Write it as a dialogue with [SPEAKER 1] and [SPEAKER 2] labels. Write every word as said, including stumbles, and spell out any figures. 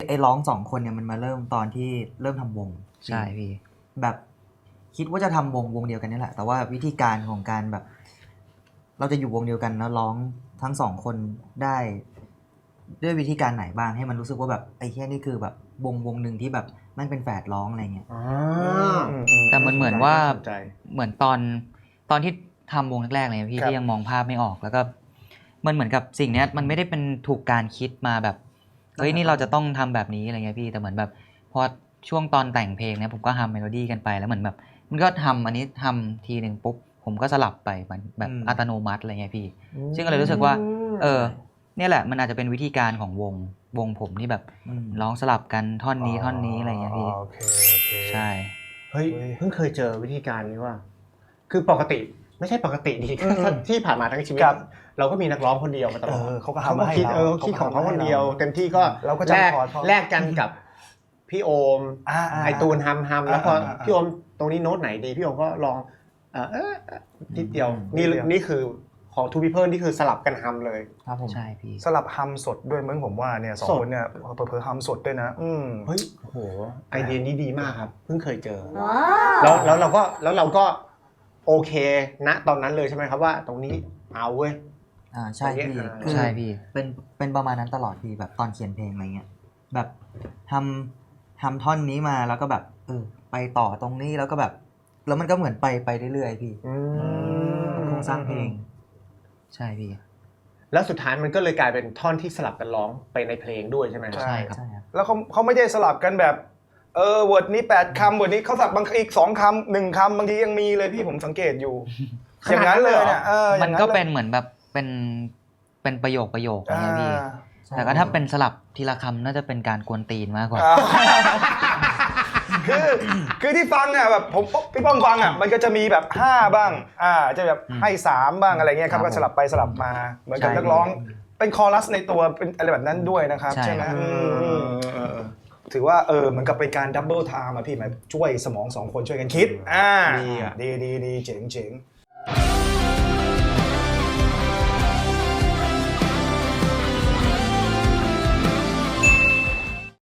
[SPEAKER 1] ไอ้ร้องสองคนเนี่ยมันมาเริ่มตอนที่เริ่มทำวง
[SPEAKER 2] ใช่พี่
[SPEAKER 1] แบบคิดว่าจะทำวงวงเดียวกันนี่แหละแต่ว่าวิธีการของการแบบเราจะอยู่วงเดียวกันแล้วร้องทั้งสองคนได้ด้วยวิธีการไหนบ้างให้มันรู้สึกว่าแบบไอ้แค่นี่คือแบบวงวงหนึ่งที่แบบมันเป็นแฝดร้องอะไรเงี้ย
[SPEAKER 2] แต่มันเหมือนว่าเหมือนตอนตอนที่ทำวงแรกๆเลยพี่ที่ยังมองภาพไม่ออกแล้วก็มันเหมือนกับสิ่งนี้มันไม่ได้เป็นถูกการคิดมาแบบเฮ้ยนี่เราจะต้องทำแบบนี้อะไรเงี้ยพี่แต่เหมือนแบบพอช่วงตอนแต่งเพลงเนี่ยผมก็ทำเมโลดี้กันไปแล้วเหมือนแบบมันก็ทำอันนี้ทำทีหนึ่งปุ๊บผมก็สลับไปเหมือนแบบอัตโนมัติอะไรเงี้ยพี่ซึ่งก็เลยรู้สึกว่าเออเนี่ยแหละมันอาจจะเป็นวิธีการของวงวงผมที่แบบร้องสลับกันท่อนนี้ท่อนนี้อะไรเงี้ยพี่
[SPEAKER 3] โอเคโอเค
[SPEAKER 2] ใช่
[SPEAKER 4] เฮ้ยเพิ่งเคยเจอวิธีการนี้ว่าคือปกติไม่ใช่ปกติดีที่ผ่านมาทั้งชีวิตเราก็มีนักร้องคนเดียวมาตลอด
[SPEAKER 3] เขาก็ทำมาให้เรา
[SPEAKER 4] เออคิดของเขาคนเดียวเต็มที่ก็แลกแลกกันกับพี่โอมไอตูนฮัมฮัมแล้วพอพี่โอมตรงนี้โน้ตไหนดีพี่โอมก็ลองเออนิดเดียวนี่นี่คือของทูพีเพิลนี่คือสลับกันฮัมเลย
[SPEAKER 1] ครับผม
[SPEAKER 2] ใช่พี่
[SPEAKER 3] สลับฮัมสดด้วยมึงผมว่าเนี่ยสองคนเนี่ยเผลอๆฮัมสดด้วยนะอืม
[SPEAKER 4] เฮ้ยโหไอเดียนี้ดีมากครับเพิ่งเคยเจอแล้วแล้วเราก็แล้วเราก็โอเคณตอนนั้นเลยใช่ไหมครับว่าตรงนี้เอาเว้ย
[SPEAKER 1] อ่าใช่พี่
[SPEAKER 2] ใช่พี่
[SPEAKER 1] เป็นเป็นประมาณนั้นตลอดพี่แบบตอนเขียนเพลงอะไรเงี้ยแบบทำทำท่อนนี้มาแล้วก็แบบเออไปต่อตรงนี้แล้วก็แบบแล้วมันก็เหมือนไปไปเรื่อยๆพี่โครงสร้างเพลง
[SPEAKER 2] ใช่พี่
[SPEAKER 4] แล้วสุดท้ายมันก็เลยกลายเป็นท่อนที่สลับกันร้องไปในเพลงด้วยใช่ไหม
[SPEAKER 2] ใช่ครับ
[SPEAKER 3] แล้วเขาเขาไม่ได้สลับกันแบบเออเวิร์ดนี้แปดคำเวิร์ดนี้เขาสลับบางอีกสองคำหนึ่งคำบางทียังมีเลยพี่ผมสังเกตอยู่อย่างนั้นเลยเนี่ย
[SPEAKER 2] มันก็เป็นเหมือนแบบเป็นเป็นประโยคประโยคอะไรพี่แต่ก็ถ้าเป็นสลับทีละคำน่าจะเป็นการกวนตีนมากกว่า
[SPEAKER 3] คือคือที่ฟังอ่ะแบบผมพี่ป้อมฟังอ่ะมันก็จะมีแบบห้าบ้างอ่าจะแบบให้สามบ้างอะไรเงี้ยครับก็สลับไปสลับมาเหมือนกับนักร้องเป็นคอรัสในตัวเป็นอะไรแบบนั้นด้วยนะครับใช่ไหมถือว่าเออเหมือนกับเป็นการดับเบิลไทม์อ่ะพี่หมายช่วยสมองสองคนช่วยกันคิดอ่าดีอ่ะดีดีดีเจ๋งเจ๋ง